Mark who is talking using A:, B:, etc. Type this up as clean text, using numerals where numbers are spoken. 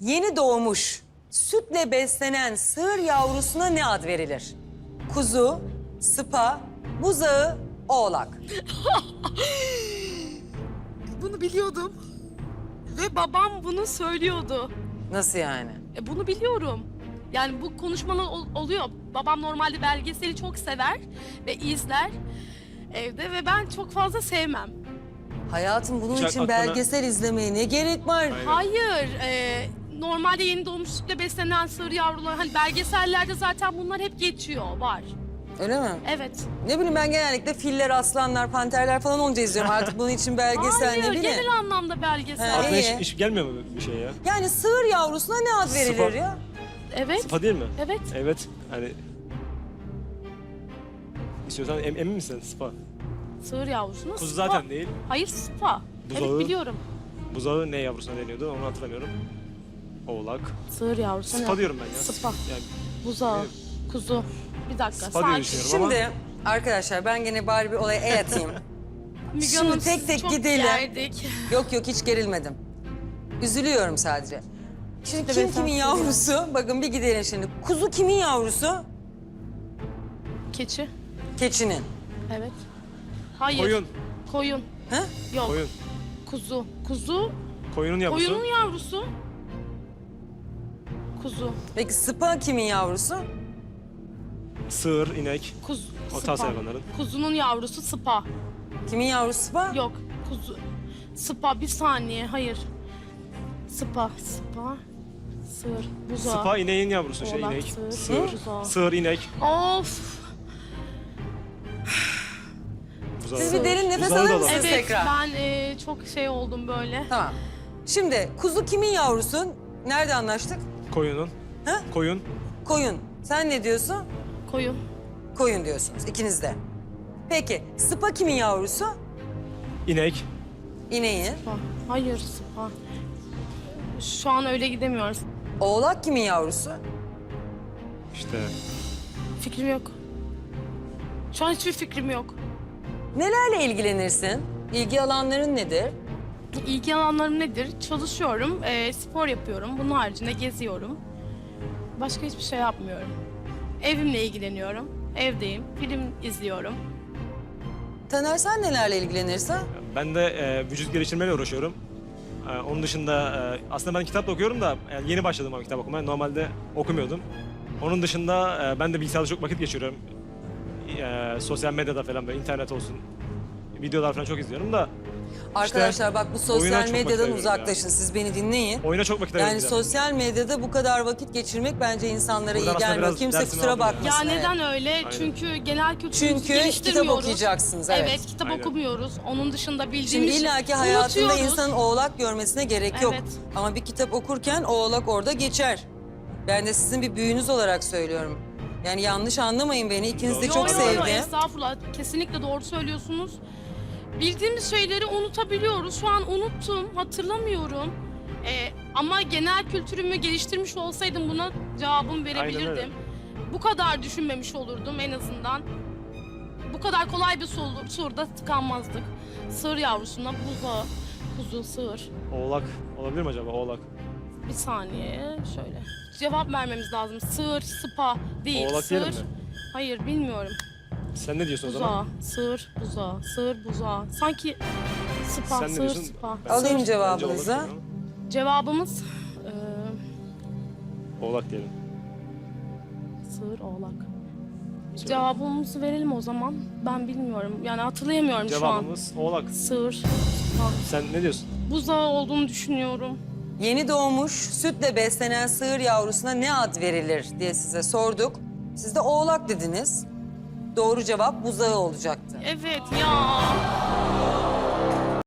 A: Yeni doğmuş, sütle beslenen sığır yavrusuna ne ad verilir? Kuzu, sıpa, buzağı, oğlak.
B: Bunu biliyordum. Ve babam bunu söylüyordu.
A: Nasıl yani?
B: Bunu biliyorum. Yani bu konuşmalar oluyor. Babam normalde belgeseli çok sever ve izler evde ve ben çok fazla sevmem.
A: Hayatım bunun
C: Hiç
A: için
C: aklına-
A: belgesel izlemeye ne gerek var?
B: Hayır, normalde yeni doğmuş sütle beslenen sığır yavrular, hani belgesellerde zaten bunlar hep geçiyor, var.
A: Öyle mi?
B: Evet.
A: Ne bileyim ben genellikle filler, aslanlar, panterler falan olunca izliyorum. Artık bunun için belgesel
B: Hayır,
A: ne bileyim.
B: genel anlamda belgesel.
A: Ha,
C: Aklına
A: iyi.
C: hiç gelmiyor mu bir şey ya?
A: Yani sığır yavrusuna ne ad verilir
C: Sıpa.
A: ya?
B: Evet,
C: Sıpa değil mi?
B: evet.
C: Evet. Hani... İstiyorsan emin misin Sıpa?
B: Sığır yavrusuna
C: Kuzu
B: sıpa.
C: zaten değil.
B: Hayır, sıpa.
C: Buzağı.
B: Evet, biliyorum.
C: Buzağı ne yavrusuna deniyordu onu hatırlamıyorum. Oğlak.
B: Sığır yavrusuna.
C: Sıpa diyorum ben ya.
B: Sıpa.
C: Yani
B: Buzağı,
C: Evet.
B: kuzu. Bir dakika,
C: Sıpa diye
B: sakin.
C: düşünüyorum ama...
A: Şimdi arkadaşlar ben gene bari bir olaya el atayım.
B: Müge
A: Şimdi
B: Hanım,
A: tek
B: siz
A: tek
B: çok
A: gidelim.
B: gerdik.
A: Yok hiç gerilmedim. Üzülüyorum sadece. Şimdi
B: İşte
A: kim
B: ben
A: kimin
B: sana
A: yavrusu? Bakın bir gidelim şimdi. Kuzu kimin yavrusu?
B: Keçi.
A: Keçinin.
B: Evet. Hayır.
C: Koyun.
B: Koyun.
A: Ha?
B: Yok.
C: Koyun.
B: Kuzu. Kuzu.
C: Koyunun yavrusu.
B: Koyunun yavrusu. Kuzu.
A: Peki sıpa kimin yavrusu?
C: Sığır, inek.
B: Kuzu.
C: O
B: Sıpa.
C: tarz hayvanların.
B: Kuzunun yavrusu sıpa.
A: Kimin yavrusu sıpa?
B: Yok. Kuzu. Sıpa. Bir saniye. Hayır. Sıpa. Sıpa. Sığır. Buzağı.
C: Sıpa ineğin yavrusu şey
B: Oğlak,
C: inek.
B: sığır,
C: Sığır.
B: buzağı.
C: Sığır, inek.
B: Of.
C: Buzağı.
A: Siz bir derin nefes
C: Buzağı da
A: alır
C: olabilir.
A: mısınız
B: Evet.
A: tekrar?
B: Ben çok şey oldum böyle.
A: Tamam. Şimdi kuzu kimin yavrusu? Nerede anlaştık?
C: Koyunun.
A: Ha?
C: Koyun.
A: Koyun. Sen ne diyorsun?
B: Koyun.
A: Koyun diyorsunuz ikiniz de. Peki sıpa kimin yavrusu?
C: İnek.
A: İneğin.
B: Sıpa. Hayır sıpa. Şu an öyle gidemiyoruz.
A: Oğlak kimin yavrusu?
C: İşte
B: Fikrim yok. Şu an hiçbir fikrim yok.
A: Nelerle ilgilenirsin? İlgi alanların nedir?
B: İlgi alanlarım nedir? Çalışıyorum, spor yapıyorum. Bunun haricinde geziyorum. Başka hiçbir şey yapmıyorum. Evimle ilgileniyorum. Evdeyim, film izliyorum.
A: Taner sen nelerle ilgilenirsin?
C: ben de vücut geliştirmeyle uğraşıyorum. Onun dışında aslında ben kitap da okuyorum da yani yeni başladım ama kitap okumaya. Normalde okumuyordum. Onun dışında ben de bilgisayarda çok vakit geçiriyorum. Sosyal medyada falan böyle internet olsun. Videolar falan çok izliyorum da
A: Arkadaşlar bak bu
C: oyuna
A: sosyal
C: çok vakit
A: medyadan
C: ayırıyorum
A: uzaklaşın. Siz beni dinleyin.
C: oyuna çok vakit
A: Yani
C: ayırıyorum.
A: sosyal medyada bu kadar vakit geçirmek bence insanlara
C: Buradan
A: iyi
C: aslında
A: gelmiyor.
C: biraz
A: Kimse
C: dersini
A: kusura
C: aldım ya.
A: bakmasın.
B: Ya
A: evet.
B: neden öyle? Çünkü genel kültürümüzü
A: Çünkü kitap
B: geliştirmiyoruz.
A: okuyacaksınız.
B: Evet, kitap
C: Aynen.
B: okumuyoruz. Onun dışında
A: Şimdi
B: bildiğimiz
A: illaki hayatında
B: unutuyoruz.
A: insanın oğlak görmesine gerek yok.
B: Evet.
A: Ama bir kitap okurken oğlak orada geçer. Ben de sizin bir büyünüz olarak söylüyorum. Yani yanlış anlamayın beni. İkiniz de
C: Yo,
A: çok
B: Yo,
A: sevdim.
B: estağfurullah. Kesinlikle doğru söylüyorsunuz. Bildiğimiz şeyleri unutabiliyoruz. Şu an unuttum, hatırlamıyorum. Ama genel kültürümü geliştirmiş olsaydım buna cevabımı
C: Aynen
B: verebilirdim.
C: öyle.
B: Bu kadar düşünmemiş olurdum en azından. Bu kadar kolay bir soruda tıkanmazdık. Sığır yavrusuna buzağı, kuzu, sığır.
C: Oğlak olabilir mi acaba oğlak?
B: Bir saniye şöyle. Cevap vermemiz lazım. Sığır, sıpa değil.
C: Oğlak
B: sığır.
C: diyelim mi?
B: Hayır bilmiyorum.
C: Sen ne diyorsun o zaman?
B: Buzağı, sığır, buzağı, sığır, buzağı. Sanki sıpa,
C: Sen ne
B: sığır,
C: diyorsun?
B: sıpa.
C: Ben-
A: Alayım
C: Bence oğlak
A: cevabınızı.
C: diyorum
B: Cevabımız
C: ama. Oğlak diyelim.
B: sığır, oğlak. Cevabımızı verelim o zaman. Ben bilmiyorum. Yani hatırlayamıyorum şu an.
C: Cevabımız oğlak.
B: Sığır, sıpa.
C: Sen ne diyorsun?
B: Buzağı olduğunu düşünüyorum.
A: Yeni doğmuş, sütle beslenen sığır yavrusuna ne ad verilir diye size sorduk. Siz de oğlak dediniz. Doğru cevap buzağı olacaktı.
B: Evet ya.